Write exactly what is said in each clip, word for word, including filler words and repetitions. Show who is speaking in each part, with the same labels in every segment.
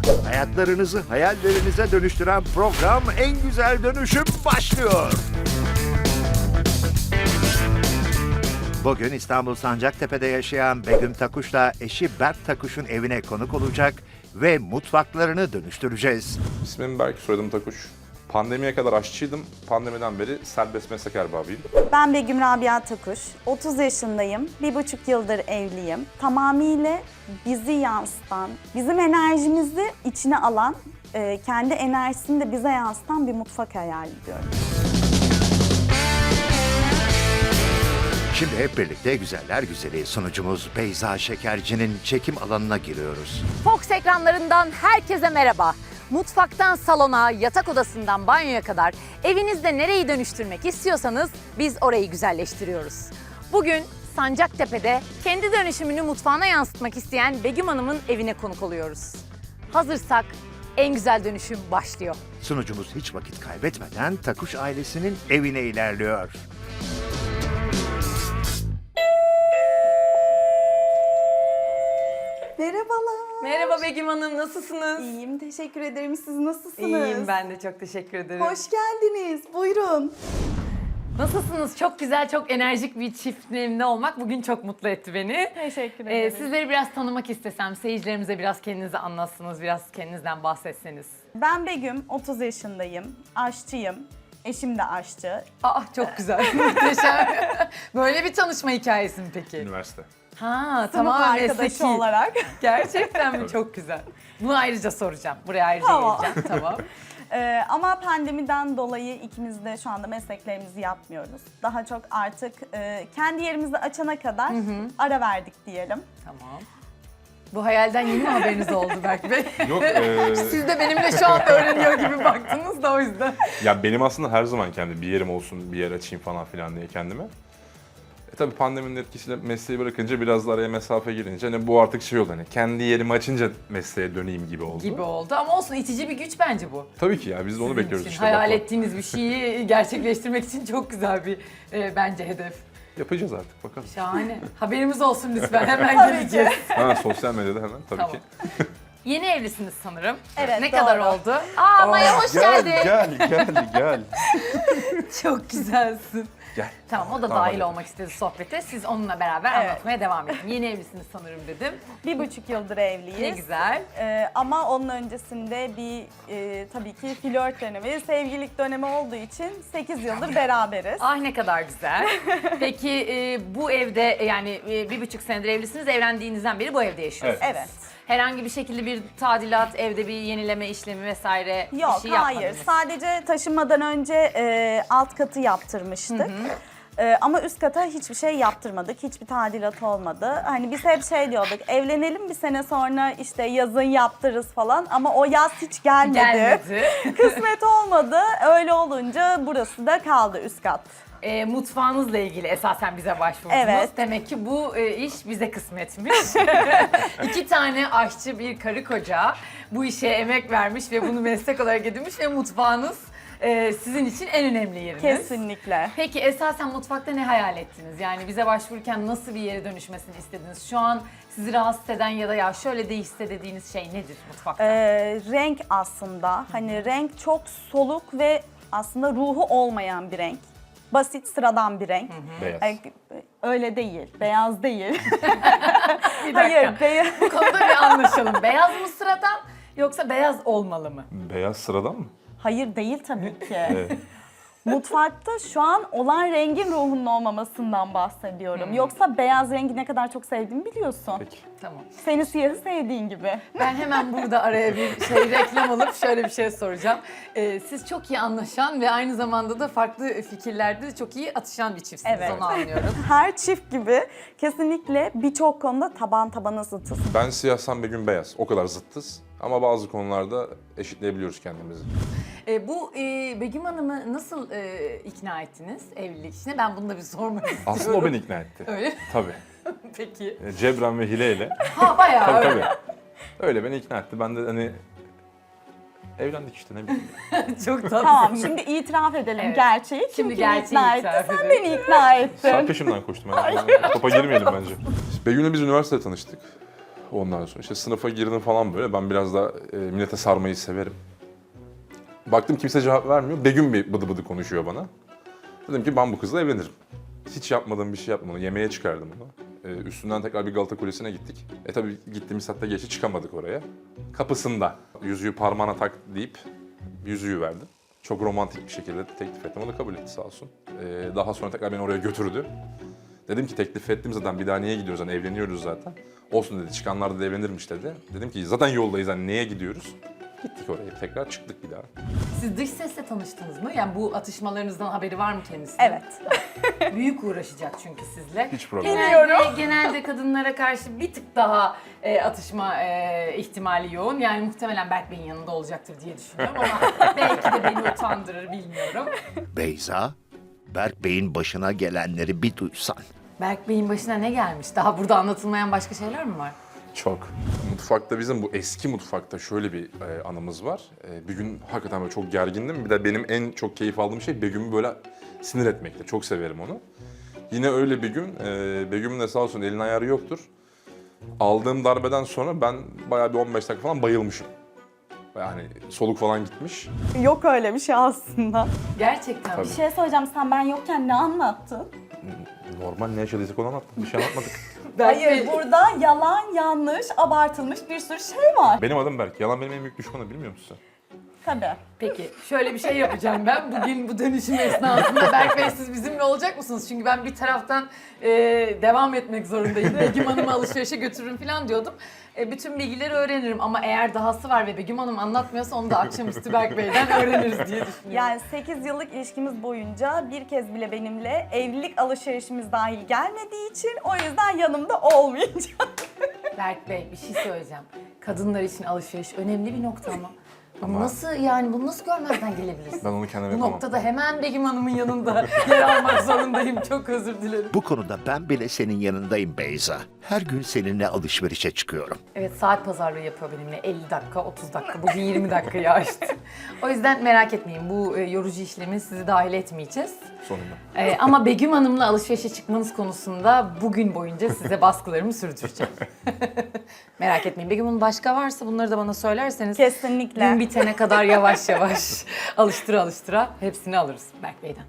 Speaker 1: Hayatlarınızı hayallerinize dönüştüren program En Güzel Dönüşüm başlıyor. Bugün İstanbul Sancaktepe'de yaşayan Begüm Takuş'la eşi Berk Takuş'un evine konuk olacak ve mutfaklarını dönüştüreceğiz.
Speaker 2: İsmim Berk, soyadım Takuş. Pandemiye kadar aşçıydım. Pandemiden beri serbest meslek erbabıyım.
Speaker 3: Ben Begüm Rabia Takuş, otuz yaşındayım, bir buçuk yıldır evliyim. Tamamıyla bizi yansıtan, bizim enerjimizi içine alan, e, kendi enerjisini de bize yansıtan bir mutfak hayal ediyorum.
Speaker 1: Şimdi hep birlikte güzeller güzeli sunucumuz Beyza Şekerci'nin çekim alanına giriyoruz.
Speaker 4: Fox ekranlarından herkese merhaba. Mutfaktan salona, yatak odasından banyoya kadar evinizde nereyi dönüştürmek istiyorsanız biz orayı güzelleştiriyoruz. Bugün Sancaktepe'de kendi dönüşümünü mutfağına yansıtmak isteyen Begüm Hanım'ın evine konuk oluyoruz. Hazırsak en güzel dönüşüm başlıyor.
Speaker 1: Sunucumuz hiç vakit kaybetmeden Takuş ailesinin evine ilerliyor.
Speaker 3: Merhabalar.
Speaker 4: Merhaba Begüm Hanım, nasılsınız?
Speaker 3: İyiyim, teşekkür ederim. Siz nasılsınız?
Speaker 4: İyiyim, ben de çok teşekkür ederim.
Speaker 3: Hoş geldiniz, buyurun.
Speaker 4: Nasılsınız? Çok güzel, çok enerjik bir çiftliğimde olmak bugün çok mutlu etti beni.
Speaker 3: Teşekkür
Speaker 4: Ee,
Speaker 3: ederim.
Speaker 4: sizleri biraz tanımak istesem, seyircilerimize biraz kendinizi anlatsanız, biraz kendinizden bahsetseniz.
Speaker 3: Ben Begüm, otuz yaşındayım, aşçıyım. Eşim de aşçı.
Speaker 4: Aa çok güzel, muhteşem. Böyle bir tanışma hikayesi mi peki?
Speaker 2: Üniversite.
Speaker 4: Ha
Speaker 3: Sınıf
Speaker 4: tamamen
Speaker 3: arkadaşı
Speaker 4: mesleki.
Speaker 3: olarak.
Speaker 4: Gerçekten mi? Çok güzel. Bunu ayrıca soracağım. Buraya ayrıca
Speaker 3: Tamam.
Speaker 4: geleceğim. Tamam.
Speaker 3: Ee, ama pandemiden dolayı ikimiz de şu anda mesleklerimizi yapmıyoruz. Daha çok artık e, kendi yerimizi açana kadar ara verdik diyelim.
Speaker 4: Tamam. Bu hayalden yeni mi haberiniz oldu Berk Bey?
Speaker 2: Yok, e,
Speaker 4: Siz de benimle şu an öğreniyor gibi baktınız da o yüzden.
Speaker 2: ya benim aslında her zaman kendi bir yerim olsun, bir yer açayım falan filan diye kendime. E tabii pandeminin etkisiyle mesleği bırakınca biraz da araya mesafe girince hani bu artık şey oldu hani kendi yerimi açınca mesleğe döneyim gibi oldu.
Speaker 4: Gibi oldu ama olsun, itici bir güç bence bu.
Speaker 2: Tabii ki ya biz de onu
Speaker 4: Sizin
Speaker 2: bekliyoruz
Speaker 4: için.
Speaker 2: işte.
Speaker 4: Hayal
Speaker 2: bakalım.
Speaker 4: ettiğiniz bir şeyi gerçekleştirmek için çok güzel bir e, bence hedef.
Speaker 2: Yapacağız artık bakalım.
Speaker 4: Şahane. Haberimiz olsun lütfen, hemen geleceğiz.
Speaker 2: Ha sosyal medyada hemen tabii
Speaker 4: Tamam.
Speaker 2: ki.
Speaker 4: Yeni evlisiniz sanırım.
Speaker 3: Evet,
Speaker 4: Ne
Speaker 3: doğru.
Speaker 4: kadar oldu? Aa Maya hoş
Speaker 2: gel,
Speaker 4: geldin.
Speaker 2: Gel gel gel.
Speaker 4: Çok güzelsin.
Speaker 2: Gel.
Speaker 4: Tamam, o da
Speaker 2: Tamam,
Speaker 4: dahil
Speaker 2: hadi.
Speaker 4: olmak istedi sohbete. Siz onunla beraber
Speaker 3: Evet.
Speaker 4: anlatmaya devam edin. Yeni evlisiniz sanırım dedim.
Speaker 3: Bir buçuk yıldır evliyiz.
Speaker 4: Ne güzel.
Speaker 3: Ee, ama onun öncesinde bir e, tabii ki flört dönemi, sevgililik dönemi olduğu için sekiz yıldır beraberiz.
Speaker 4: Ah ne kadar güzel. Peki e, bu evde yani e, bir buçuk senedir evlisiniz. Evlendiğinizden beri bu evde yaşıyorsunuz.
Speaker 3: Evet.
Speaker 4: Herhangi bir şekilde bir tadilat, evde bir yenileme işlemi vesaire
Speaker 3: Yok,
Speaker 4: bir şey
Speaker 3: hayır.
Speaker 4: yapmadınız.
Speaker 3: Sadece taşınmadan önce e, alt katı yaptırmıştık. E, ama üst kata hiçbir şey yaptırmadık. Hiçbir tadilat olmadı. Hani biz hep şey diyorduk, evlenelim bir sene sonra işte yazın yaptırırız falan. Ama o yaz hiç gelmedi.
Speaker 4: Gelmedi.
Speaker 3: Kısmet olmadı. Öyle olunca burası da kaldı, üst kat.
Speaker 4: E, mutfağınızla ilgili esasen bize başvurdunuz.
Speaker 3: Evet.
Speaker 4: Demek ki bu e, iş bize kısmetmiş. İki tane aşçı, bir karı koca bu işe emek vermiş ve bunu meslek olarak edinmiş ve mutfağınız e, sizin için en önemli yeriniz.
Speaker 3: Kesinlikle.
Speaker 4: Peki esasen mutfakta ne hayal ettiniz? Yani bize başvururken nasıl bir yere dönüşmesini istediniz? Şu an sizi rahatsız eden ya da ya şöyle değişse dediğiniz şey nedir mutfakta?
Speaker 3: Ee, renk aslında. Hani renk çok soluk ve aslında ruhu olmayan bir renk. Basit, sıradan bir renk.
Speaker 2: Beyaz.
Speaker 3: Ay, öyle değil, beyaz değil.
Speaker 4: Bir dakika.
Speaker 3: Hayır, beyaz.
Speaker 4: Bu konuda bir anlaşalım. Beyaz mı sıradan yoksa beyaz olmalı mı?
Speaker 2: Beyaz sıradan mı?
Speaker 3: Hayır değil tabii ki.
Speaker 2: Evet.
Speaker 3: Mutfakta şu an olan rengin ruhunun olmamasından bahsediyorum. Yoksa beyaz rengi ne kadar çok sevdiğimi biliyorsun.
Speaker 2: Peki.
Speaker 4: Tamam.
Speaker 3: Seni siyahı sevdiğin gibi.
Speaker 4: Ben hemen burada araya bir şey reklam alıp şöyle bir şey soracağım. Ee, siz çok iyi anlaşan ve aynı zamanda da farklı fikirlerde de çok iyi atışan bir çiftsiniz,
Speaker 3: Evet.
Speaker 4: onu anlıyorum.
Speaker 3: Her çift gibi kesinlikle birçok konuda taban tabana zıtız.
Speaker 2: Ben siyah, sen Begüm beyaz. O kadar zıttız. Ama bazı konularda eşitleyebiliyoruz kendimizi.
Speaker 4: Ee, bu e, Begüm Hanım'ı nasıl e, ikna ettiniz evlilik işine? Ben bunu da bir sormak istiyorum.
Speaker 2: Aslında o beni ikna etti.
Speaker 4: Öyle mi?
Speaker 2: Tabii.
Speaker 4: Peki.
Speaker 2: E, Cebren ve hileyle.
Speaker 4: Ha bayağı
Speaker 2: Tabii
Speaker 4: öyle.
Speaker 2: tabii. Öyle beni ikna etti. Ben de hani evlendik işte ne bileyim.
Speaker 4: Çok tatlı.
Speaker 3: Tamam, şimdi itiraf edelim
Speaker 4: Evet.
Speaker 3: gerçeği. Kim
Speaker 4: Şimdi
Speaker 3: kimi
Speaker 4: gerçeği
Speaker 3: ikna
Speaker 4: itiraf
Speaker 3: etti? Sen
Speaker 4: edelim.
Speaker 3: beni ikna ettin.
Speaker 2: Sen peşimden koştun. Ben, topa girmeyelim bence. Begüm'le biz üniversitede tanıştık. Ondan sonra işte sınıfa girdim falan böyle. Ben biraz da e, millete sarmayı severim. Baktım kimse cevap vermiyor. Begüm bir bıdı bıdı konuşuyor bana. Dedim ki ben bu kızla evlenirim. Hiç yapmadığım bir şey yapmadım. Yemeğe çıkardım onu. Ee, üstünden tekrar bir Galata Kulesi'ne gittik. E tabii gittiğimiz saatte geçti, çıkamadık oraya. Kapısında yüzüğü parmağına tak deyip yüzüğü verdim. Çok romantik bir şekilde teklif ettim. O da kabul etti sağ olsun. Ee, daha sonra tekrar beni oraya götürdü. Dedim ki teklif ettim zaten, bir daha niye gidiyoruz, hani evleniyoruz zaten. Olsun dedi, çıkanlar da evlenirmiş dedi. Dedim ki zaten yoldayız, hani neye gidiyoruz? Gittik oraya, tekrar çıktık bir daha.
Speaker 4: Siz dış sesle tanıştınız mı? Yani bu atışmalarınızdan haberi var mı kendisinin?
Speaker 3: Evet.
Speaker 4: Büyük uğraşacak çünkü sizle.
Speaker 2: Hiç problem
Speaker 4: Genelde, genelde kadınlara karşı bir tık daha e, atışma e, ihtimali yoğun. Yani muhtemelen Berk Bey'in yanında olacaktır diye düşünüyorum ama belki de beni utandırır, bilmiyorum.
Speaker 1: Beyza, Berk Bey'in başına gelenleri bir duysan.
Speaker 4: Berk Bey'in başına ne gelmiş? Daha burada anlatılmayan başka şeyler mi var?
Speaker 2: Çok. Mutfakta, bizim bu eski mutfakta şöyle bir e, anımız var. E, bir gün hakikaten böyle çok gergindim. Bir de benim en çok keyif aldığım şey Begüm'ü böyle sinir etmekte. Çok severim onu. Yine öyle bir gün, e, Begüm'ün de sağ olsun elin ayarı yoktur. Aldığım darbeden sonra ben bayağı bir on beş dakika falan bayılmışım. Yani soluk falan gitmiş.
Speaker 3: Yok öyle bir şey aslında.
Speaker 4: Gerçekten.
Speaker 2: Tabii.
Speaker 3: Bir şey söyleyeceğim, sen ben yokken ne anlattın?
Speaker 2: Normal, ne yaşadıysak onu anlattık. Bir şey anlatmadık.
Speaker 3: Hayır, burada yalan, yanlış, abartılmış bir sürü şey var.
Speaker 2: Benim adım Berk. Yalan benim en büyük düşmanım, bilmiyor musun sen?
Speaker 3: Tabii.
Speaker 4: Peki şöyle bir şey yapacağım ben. Bugün bu dönüşüm esnasında Berk Bey siz bizimle olacak mısınız? Çünkü ben bir taraftan e, devam etmek zorundayım. Begüm Hanım'ı alışverişe götürürüm falan diyordum. E, bütün bilgileri öğrenirim ama eğer dahası var ve Begüm Hanım anlatmıyorsa onu da akşamüstü Berk Bey'den öğreniriz diye düşünüyorum.
Speaker 3: Yani sekiz yıllık ilişkimiz boyunca bir kez bile benimle evlilik alışverişimiz dahil gelmediği için o yüzden yanımda olmayacak.
Speaker 4: Berk Bey bir şey söyleyeceğim. Kadınlar için alışveriş önemli bir nokta ama. Bunu
Speaker 2: Ama-
Speaker 4: nasıl yani bunu nasıl görmezden gelebilirsin?
Speaker 2: Ben onu kendim
Speaker 4: Bu
Speaker 2: yapamam.
Speaker 4: noktada hemen Begüm Hanım'ın yanında yer almak zorundayım. Çok özür dilerim.
Speaker 1: Bu konuda ben bile senin yanındayım Beyza. Her gün seninle alışverişe çıkıyorum.
Speaker 4: Evet, saat pazarlığı yapıyor benimle. elli dakika, otuz dakika. Bugün yirmi dakikayı aştı. O yüzden merak etmeyin. Bu e, yorucu işlemi sizi dahil etmeyeceğiz.
Speaker 2: Sonunda.
Speaker 4: E, ama Begüm Hanım'la alışverişe çıkmanız konusunda bugün boyunca size baskılarımı sürdüreceğim. Merak etmeyin. Begüm Hanım başka varsa bunları da bana söylerseniz
Speaker 3: Kesinlikle.
Speaker 4: gün bitene kadar yavaş yavaş alıştıra alıştıra hepsini alırız Berk Bey'den.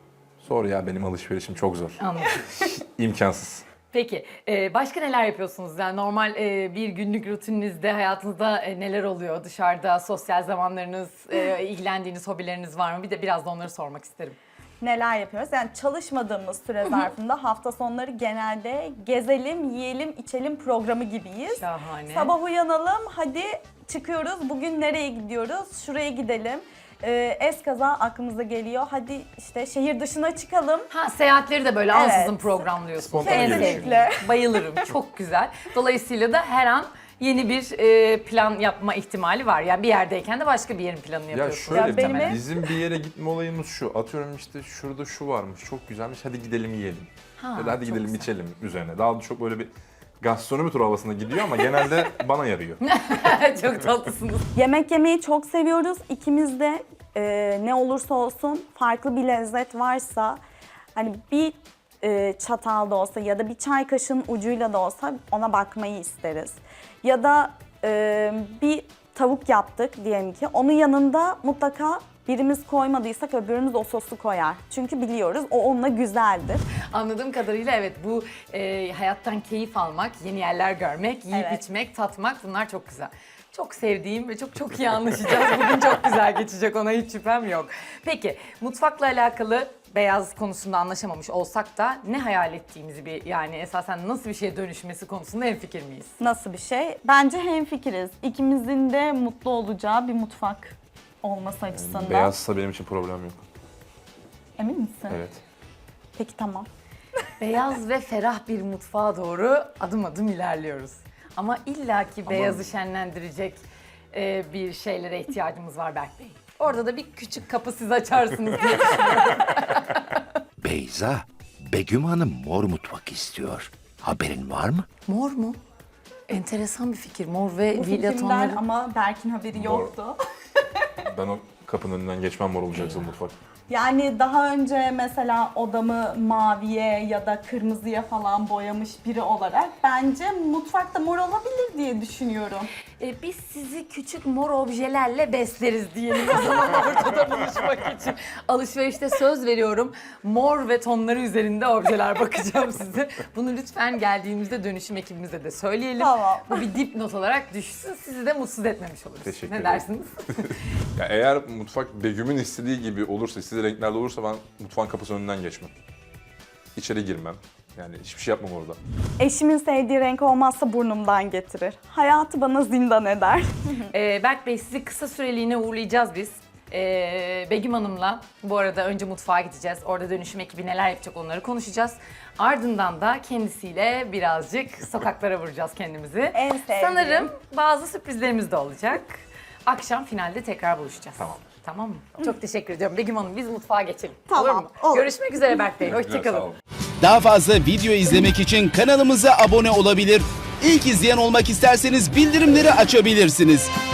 Speaker 2: Zor ya, benim alışverişim çok zor.
Speaker 4: Anladım.
Speaker 2: İmkansız.
Speaker 4: Peki, e, başka neler yapıyorsunuz? Yani normal e, bir günlük rutininizde, hayatınızda e, neler oluyor? Dışarıda sosyal zamanlarınız, e, ilgilendiğiniz hobileriniz var mı? Bir de biraz da onları sormak isterim.
Speaker 3: Neler yapıyoruz? Yani çalışmadığımız süre zarfında hafta sonları genelde gezelim, yiyelim, içelim programı gibiyiz.
Speaker 4: Şahane.
Speaker 3: Sabah uyanalım, hadi çıkıyoruz, bugün nereye gidiyoruz? Şuraya gidelim. Ee, eskaza aklımıza geliyor, hadi işte şehir dışına çıkalım.
Speaker 4: Ha, seyahatleri de böyle
Speaker 3: Evet.
Speaker 4: ansızın programlıyorsunuz.
Speaker 2: Spontane
Speaker 4: En
Speaker 2: gelişiyor.
Speaker 4: sevdiğim. Bayılırım. Çok güzel. Dolayısıyla da her an yeni bir e, plan yapma ihtimali var. Yani bir yerdeyken de başka bir yerin planını
Speaker 2: Ya
Speaker 4: yapıyorsunuz.
Speaker 2: şöyle,
Speaker 3: Ya benim ev-
Speaker 2: bizim bir yere gitme olayımız şu. Atıyorum işte şurada şu varmış, çok güzelmiş, hadi gidelim yiyelim.
Speaker 4: Ha,
Speaker 2: Ya da hadi
Speaker 4: çok
Speaker 2: gidelim
Speaker 4: güzel.
Speaker 2: içelim üzerine. Daha çok böyle bir gastronomi turu havasında gidiyor ama genelde bana yarıyor.
Speaker 4: Çok tatlısınız.
Speaker 3: Yemek yemeyi çok seviyoruz. İkimiz de e, ne olursa olsun farklı bir lezzet varsa hani bir e, çatal da olsa ya da bir çay kaşığının ucuyla da olsa ona bakmayı isteriz. Ya da e, bir tavuk yaptık diyelim ki onun yanında mutlaka birimiz koymadıysak öbürümüz o sosu koyar. Çünkü biliyoruz o onunla güzeldir.
Speaker 4: Anladığım kadarıyla evet, bu e, hayattan keyif almak, yeni yerler görmek, yiyip
Speaker 3: Evet.
Speaker 4: içmek, tatmak, bunlar çok güzel. Çok sevdiğim ve çok çok iyi anlaşacağız. Bugün çok güzel geçecek, ona hiç şüphem yok. Peki, mutfakla alakalı beyaz konusunda anlaşamamış olsak da ne hayal ettiğimizi, bir yani esasen nasıl bir şeye dönüşmesi konusunda hemfikir miyiz?
Speaker 3: Nasıl bir şey? Bence hemfikiriz. İkimizin de mutlu olacağı bir mutfak olması açısından.
Speaker 2: Beyazsa benim için problem yok.
Speaker 3: Emin misin?
Speaker 2: Evet.
Speaker 3: Peki tamam.
Speaker 4: Beyaz ve ferah bir mutfağa doğru adım adım ilerliyoruz. Ama illaki beyazı şenlendirecek e, bir şeylere ihtiyacımız var Berk Bey. Orada da bir küçük kapı siz açarsınız diye.
Speaker 1: Beyza, Begüm Hanım mor mutfak istiyor. Haberin var mı?
Speaker 4: Mor mu? Enteresan bir fikir. Mor ve
Speaker 3: Bu
Speaker 4: villa
Speaker 3: fikrimden
Speaker 4: tonları.
Speaker 3: ama Berk'in haberi
Speaker 2: Mor.
Speaker 3: yoktu.
Speaker 2: Ben o kapının önünden geçmem mor olacaksa mutfak.
Speaker 3: Yani daha önce mesela odamı maviye ya da kırmızıya falan boyamış biri olarak bence mutfakta mor olabilir diye düşünüyorum.
Speaker 4: Ee, biz sizi küçük mor objelerle besleriz diyelim o zaman ortada buluşmak için. Alışverişte söz veriyorum. Mor ve tonları üzerinde objeler bakacağım size. Bunu lütfen geldiğimizde dönüşüm ekibimize de söyleyelim.
Speaker 3: Tamam.
Speaker 4: Bu bir dipnot olarak düşsün. Sizi de mutsuz etmemiş oluruz.
Speaker 2: Teşekkür
Speaker 4: ne
Speaker 2: ederim.
Speaker 4: dersiniz?
Speaker 2: Ya eğer mutfak Begüm'ün istediği gibi olursa, istediği renklerde olursa ben mutfağın kapısının önünden geçmem. İçeri girmem. Yani hiçbir şey yapmam orada.
Speaker 3: Eşimin sevdiği renk olmazsa burnumdan getirir. Hayatı bana zindan eder.
Speaker 4: Ee, Berk Bey sizi kısa süreliğine uğurlayacağız biz. Ee, Begüm Hanım'la bu arada önce mutfağa gideceğiz. Orada dönüşüm ekibi neler yapacak onları konuşacağız. Ardından da kendisiyle birazcık sokaklara vuracağız kendimizi.
Speaker 3: En sevdiğim.
Speaker 4: Sanırım bazı sürprizlerimiz de olacak. Akşam finalde tekrar buluşacağız.
Speaker 2: Tamam.
Speaker 4: Tamam mı? Çok teşekkür ediyorum. Begüm Hanım biz mutfağa geçelim.
Speaker 3: Tamam,
Speaker 4: Olur mu?
Speaker 3: olur.
Speaker 4: Görüşmek üzere Berk Bey.
Speaker 2: Sağ
Speaker 4: Hoşçakalın.
Speaker 2: olun.
Speaker 5: Daha fazla video izlemek için kanalımıza abone olabilir. İlk izleyen olmak isterseniz bildirimleri açabilirsiniz.